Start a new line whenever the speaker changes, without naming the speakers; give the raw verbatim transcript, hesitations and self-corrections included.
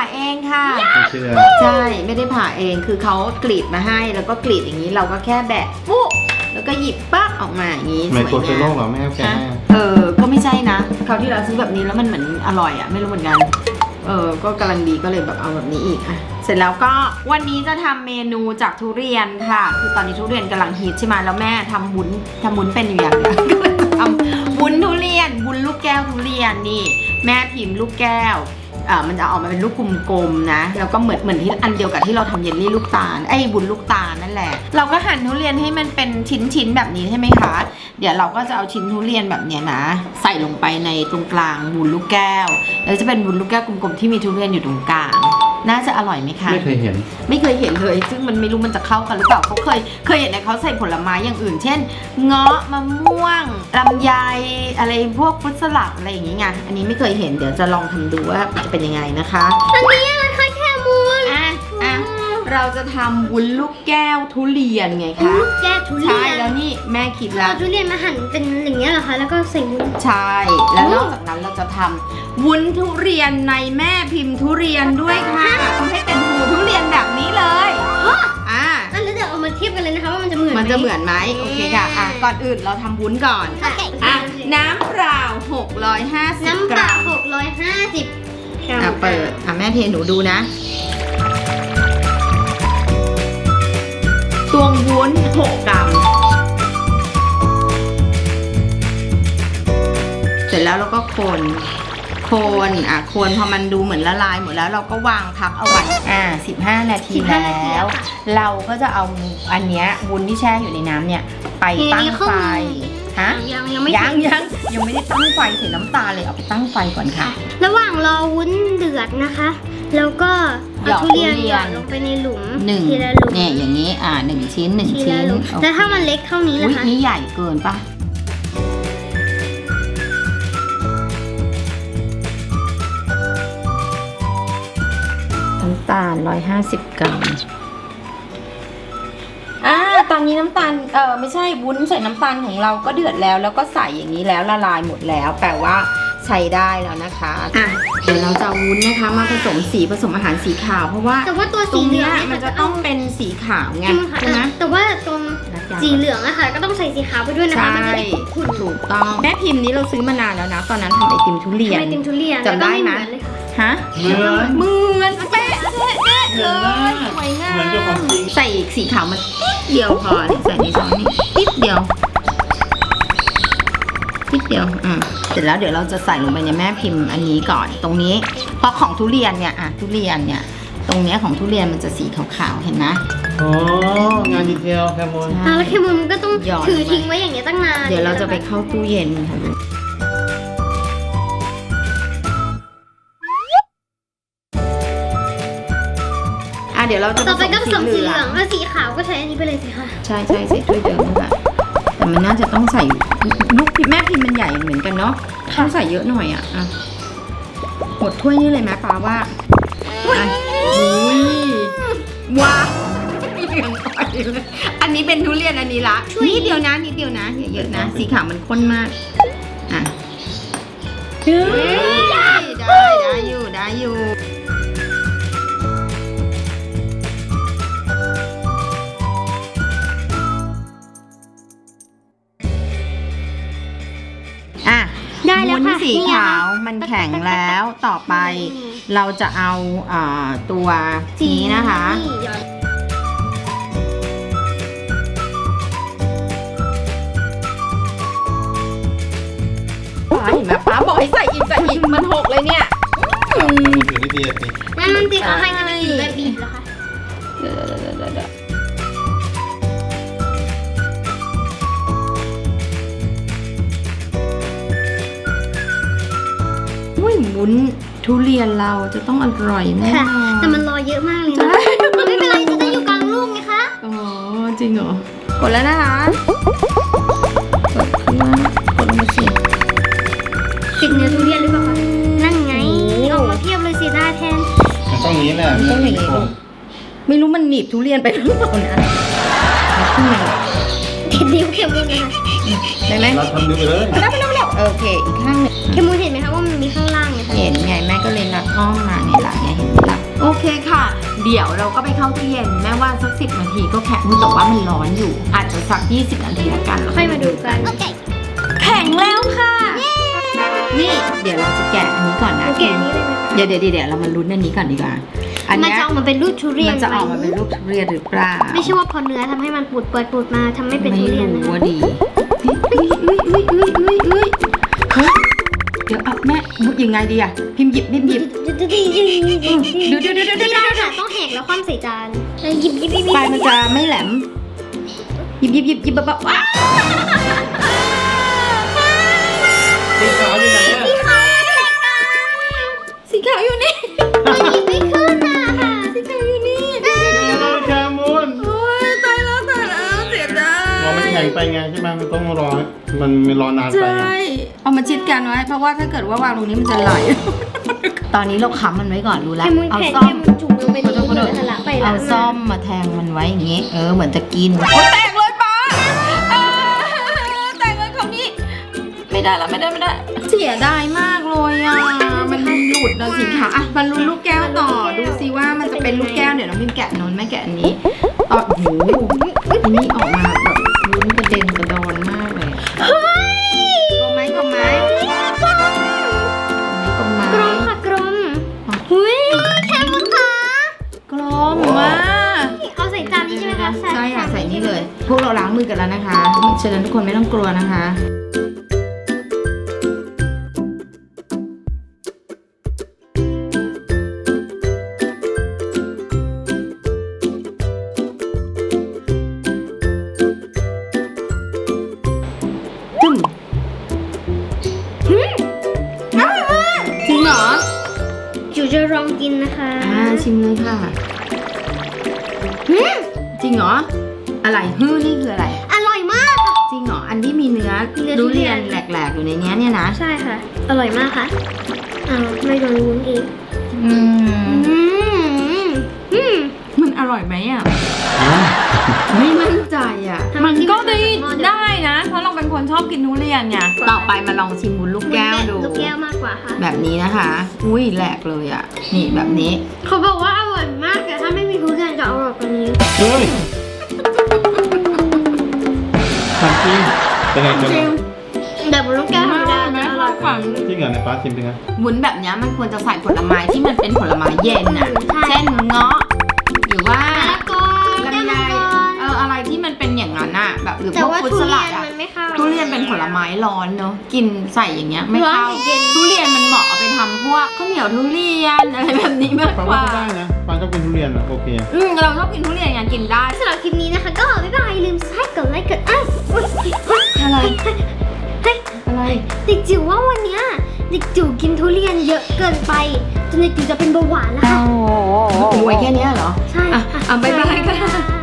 เองค่ะ
ไม่เชื่อ
ใช่ไม่ได้ผ่าเองคือเขากรีดมาให้แล้วก็กรีดอย่างนี้เราก็แค่แบะปุ๊บแล้วก็หยิบปั๊บออกมาอย่างนี้สวยงาม
ไม่กลัวเป็นโรคเหรอแม่แก
เออก็ไม่ใช่นะคราวที่เราซื้อแบบนี้แล้วมันเหมือนอร่อยอ่ะไม่รู้เหมือนกันเออก็กำลังดีก็เลยแบบเอาแบบนี้อีกอ่ะเสร็จแล้วก็วันนี้จะทำเมนูจากทุเรียนค่ะคือตอนนี้ทุเรียนกำลังฮิตใช่ไหมแล้วแม่ทำวุ้นทำวุ้นเป็นอยู่อย่างเดียวก็เลยจะทำวุ้นทุเรียนวุ้นลูกแก้วทุเรียนนี่แม่พิมพ์ลูกแก้วอ่ามันจะออกมาเป็นลูกกลมๆนะแล้วก็เหมือนเหมือนที่อันเดียวกับที่เราทำเยลลี่ลูกตาลไอ้วุ้นลูกตาลนั่นแหละเราก็หั่นทุเรียนให้มันเป็นชิ้นๆแบบนี้ใช่ไหมคะเดี๋ยวเราก็จะเอาชิ้นทุเรียนแบบเนี้ยนะใส่ลงไปในตรงกลางวุ้นลูกแก้วแล้วจะเป็นวุ้นลูกแก้วกลมๆที่มีทุเรียนอยู่ตรงกลางน่าจะอร่อยไหมคะ
ไม่เคยเห็น
ไม่เคยเห็นเลยซึ่งมันไม่รู้มันจะเข้ากันหรือเปล่าเขาเคยเคยเห็นในเขาใส่ผลไม้อย่างอื่น เช่นเงาะมะม่วงลำไยอะไรพวกฟรุตสลัดอะไรอย่างงี้ไงอันนี้ไม่เคยเห็นเดี๋ยวจะลองทำดูว่าจะเป็นยังไงนะคะ
อันนี้อะไรคะแคมูน
อ่ะอ่ะเราจะทำวุ้นลูกแก้วทุเรียนไงคะ
ลูกแก้วทุเรียน
ใช่แล้วนี่แม่คิดแล้ว
เอาทุเรียนมาหั่นเป็นอย่างเงี้ยเหรอคะแล้วก็ใส่วุ้น
ใช่แล้วนอกจากนั้นเราจะทำวุ้นทุเรียนในแม่พิมพ์ทุเรียนด้วยค่ะทำให้เป็นหูทุเรียนแบบนี้เลยอ่ะ
อันแล้วเดี๋ยวเอามาเทียบกันเลยนะคะว่ามันจะเหมือนไหม
มันจะเหมือนไหมโอเคค่ะอ่ะก่อนอื่นเราทำวุ้นก่อนอ่ะน้ำเปล่าหกร้อยห้าสิบ
น้ำเปล่าหกร้อยห้าสิบกรัม
อ่ะเปิดอ่ะแม่เทหนูดูนะตวงวุ้นหกกรัมเสร็จแล้วเราก็คนคนอ่ะคนพอมันดูเหมือนละลายหมดแล้วเราก็วางพักเอาไว้อ่าสิบห้านาทีแล้วเราก็จะเอาอันเนี้ยวุ้นที่แช่อยู่ในน้ำเนี่ยไปตั้งไฟฮะ
ยังยังไม่
ยังยังยังไม่ได้ตั้งไฟใส่น้ำตาลเลยเอาไปตั้งไฟก่อนค่ะ
ระหว่างรอวุ้นเดือดนะคะแล้วก็เอาทุเรียนหยอดลงไปในหลุม
หนึ่ง
ทีละหลุม
เนี่ยอย่างนี้อ่าหนึ่งชิ้นหนึ่งชิ้น
แล้วถ้ามันเล็กเท่านี้ล่ะคะ
นี่ใหญ่เกินปะน้ำตาลร้อยห้าสิบกรัมอ่าตอนนี้น้ำตาลเออไม่ใช่วุ้นใส่น้ำตาลของเราก็เดือดแล้วแล้วก็ใส่อย่างนี้แล้วละลายหมดแล้วแปลว่าใช้ได้แล้วนะคะอ่ะเดี๋ยวเราจะวุ้นนะคะมาผสมสีผสมอาหารสีขาวเพราะว่า
แต่ว่าตัวสีเหลือง
มันจะต้องเป็นสีขาวไงใช่ไหม
แต่ว่าตรงสีเหลืองอะค่ะก็ต้องใส่สีขาวไปด้วยนะคะมันจะได้ขุ่น
ถูกต้องแม่พิมพ์นี้เราซื้อมานานแล้วนะตอนนั้นทำไอติมทุเรียน
ไอติมทุเรียน
จำได้ไหมฮะ
เหมือน
เหมือนเป๊ะเป๊ะเลยสวยงาม
เหมือนเจ้าของจริง
ใส่สีขาวมันนิดเดียวพอใส่ในช้อนนี้นิดเดียวนิดเดียวอืมเสร็จแล้วเดี๋ยวเราจะใส่ลงไปในแม่พิมพ์อันนี้ก่อนตรงนี้เพราะของทุเรียนเนี่ยอ่ะทุเรียนเนี่ยตรงเนี้ยของทุเรียนมันจะสีขาวๆเห็นไหม
อ๋องานดีเทลแคมูน
แล้วแคมูนมันก็ต้องถือทิ้งไว้อย่างเงี้ยตั้งนาน
เดี๋ยวเราจะไปเข้าตู้เย็นค่ะอ่ะเดี๋ยวเราจะ
ต่อไปก็ผสมสีเหลืองแล้วสีขาวก็ใช้อันนี้ไปเลยสิค่ะ
ใช่ใช่ใส่ถ้วยเดิมนั่นแหละแต่มันน่าจะต้องใส่ลูกแม่พิมพ์มันใหญ่เหมือนกันเนาะต้องใส่เยอะหน่อยอ่ะอ่ะหมดถ้วยนี่เลยไหมป้าว่าอุ้ยว้าวอันนี้เป็นทุเรียนอันนี้ละนิดเดียวนะนิดเดียวนะอย่าเยอะนะสีขาวมันข้นมากอ่ะได้ได้อยู่ได้อยู่อ่ะวุ้นสีขาวมันแข็งแล้วต่อไปเราจะเอาตัวนี้นะคะป้าเห็นไหมป้าบอกให้ใส่อีกใส่อีกมันหกเลยเนี่ย
ถือนิดเดียวสิ
นั่นมันติดเขาให้กันเป็นแบบบีบเหรอคะ
เดี๋ยวเดี๋ยวเดี๋ยวเดี๋ยววุ้นทุเรียนเราจะต้องอร่อยแน่
แต่มันรอเยอะมากเลยนะไม่เป็นไรจะได้อยู่กลางลูกไงคะ
อ๋อจริงเหรอกดแล้วนะคะกดขึ้นมากดลงมาสิ
ติดเนื้อทุเรียนหรือเปล่าคะนั่นไงออกมาเพียบเลยสิได้แทน
มันต้องนี้แหละ
ต้องอย่างนี้ไม่รู้มันหนีบทุเรียนไปหรือเปล่านะขึ้นมา
ติดนิ้วเข็มเลยนะคะ
ได้ไหม
เราทำดูไปเลย
ได้ไปแล้วโอเคอีกข้างหนึ่ง
เคมูนเห็นไหมคะว่ามันมีข้างล่างเนี่ยค่ะ
เห็นไงแม่ก็เลยรัดอ้อมมาไงล่ะไงเห็นไหมล่ะโอเคค่ะ เดี๋ยวเราก็ไปเข้าตู้เย็นแม่ว่าสักสิบนาทีก็แข็งแต่ว่ามันร้อนอยู่ อาจจะสักยี่สิบนาทีละกัน
ค่อยมาดูกันโอเค
แข็งแล้วค่ะ นี่เดี๋ยวเราจะแกะอันนี้ก่อนนะ
แกะนี้เลยไหมคะ
เดี๋ยวเดี๋ยวเดี๋ยวเรามาลุ้นอันนี้ก่อนดีกว่าอัน
มัน
เนี้ย
จะออกมาเป็นรูปทุเรียน
มันจะออกมาเป็นรูปทุเรียนหรือเปล่า
ไม่ใช่ว่าพอเนื้อทำให้มันปูดเปิดปูดมาทำไม่เป็นทุเรียน
ไม่
นะ
รู้
คะ
ว่าดีอุ้ยอุ้ยอุ้ยอุ้ยอุ้ยอุ้ยเฮ้ยเดี๋ยวเอาแม่มุดยังไงดีอะพิมพ์หยิบพิมพ์หยิบ
ดูดูดูดูดูดูดูดูค่ะต้องแหกแล้วคว่ำใส่จานแล้วหยิบหยิบหยิบ
ปลายมันจะไม่แหลมหยิบหยิบหยิบหยิบแบบว้า
สีขาวอยู่ไหนอ่ะ
สีขาวอยู่นี่
มันหยิบไม่ขึ้นอ่ะค่ะ
สีขาวอยู่นี่
เดี๋ยวแคมูน
โอ้ยตายแล้วตายแล้วเสียดาย
รอมันแข็งไปไงใช่ไหมมันต้องรอมันมันรอนานไป
ใช่
ไง
เอามาชิดกันไว้เพราะว่าถ้าเกิดว่าวางตรงนี้มันจะไหล ตอนนี้เราค้ำมันไว้ก่อนรู้
แค
แล้ว
มุน
เอา
แผ่น
ซ่อ
แค
ม
มุนจุ่มลงไปในนี้เลยทะลักไปแล้ว
เอาซ่อมมาแทงมันไว้อย่างงี้ เออเหมือนจะกินโอ้แตกเลยป้าเออแตกเลยคราวนี้ ไม่ได้แล้วไม่ได้ไม่ได้ เสียดายมากเลยอ่ะมันหลุดนะสิคะอ่ะมันลุ้นลูกแก้วต่อดูสิว่ามันจะเป็นลูกแก้วเดี๋ยวน้องพิมแกะนนแม่แกะอันนี้ต่อโอ้โหอันนี้ออกมาแบบลุ้นกระเด็นกระดอนมากเลยกลมไหมกลมไหมกลมไหม
กรมค่ะกรมหุ้ยแคมุนค่ะ
กลมมาก
เอาใส่จานนี้ใช่ไหมคะ
ใช่ค่ะใส่นี่เลย พวกเราล้างมือกันแล้วนะคะฉะนั้นทุกคนไม่ต้องกลัวนะคะจุ่ม
หืม
จริงเหรอ
จิ๋วจะลองกินนะคะ
อ่าชิมเลยค่ะ
หืม
จริงเหรออะไรฮื้อนี่คืออะไร
อร่อยมากค่ะ
จริงเหรออันที่มีเนื้อ
มีเนื้อ
ทุเรียน
ทุเรียน
แหลกๆอยู่ในเนี้ยเนี่ยนะ
ใช่ค่ะ อร่อยมากค่ะอ้าวไม่โดนวุ้นอีก
อืม
อืมอืม
มันอร่อยไหมอ่ะ
อ๋อ
ไม่มั่นใจอ่ะ
ทำไม
มันก็ได้
ที่มันจะหม้อเดียว
ได้นะ เพราะเราเป็นคนชอบกินทุเรียนไงต่อไปมาลองชิมวุ้นลูกแก้วดู
ลูกแก้วมากกว่าค่ะ
แบบนี้นะคะ อุ้ยแหลกเลยอ่ะ นี่แบบนี้
เขาบอกว่าอร่อยมากแต่ถ้าไม่มีทุเรียนจะอร่อยกว่านี้
เฮ้ยทำจริงเป็นไงเป็นไง
แต่บนลูกแก้วธรรมดาจะอร่อยกว่า
จริงเหรอในฟ้าชิมเป็นไง
วุ้นแบบเนี้ยมันควรจะใส่ผลไม้ที่มันเป็นผลไม้เย็นอ่ะ
อืมใช่
เช่นเงาะหรือว่า
มะละกอแก้ว
ลำไย
มังกร
เอออะไรที่มันเป็นอย่างนั้นอ่ะแบบหรือพ
แต่
วก
ว่า
ฟรุต
ทุ
ส
เรี
ลั
ย
ด
น
อ่ะ
มันไม่เข้า
ทุเรียนเป็นผลไม้ร้อนเนอะกินใส่อย่างเงี้ยไม่เข้า
ร้อนเย็น
ทุเรียนมันเหมาะเอาไปทำพวกข้าวเหนียวทุเรียนอะไรแบบนี้มาก
ฟ้าก
ว่า
ว่าก็ได้นะฟ้าชอบกินทุเรียนอ่ะโอเค
อืมเราชอบกินทุเรียนไงกินได้
สำหรับคลิปนี้นะคะ ก็บ๊ายบายอย่าลืมให้กดไลค์กดอ้าวอุ๊ยอุ๊ย
อะไร
เฮ้ย
อะไร
เด็กจิ๋วว่าวันเนี้ยเด็กจิ๋วกินทุเรียนเยอะเกินไปจนเด็กจิ๋วจะเป็นเบาหวานแล้วค่ะ
โอ้ยแค่เนี้ยเหรอ
ใช่
อ่ะ
ค่ะ
อ่ะบ๊ายบายค่ะ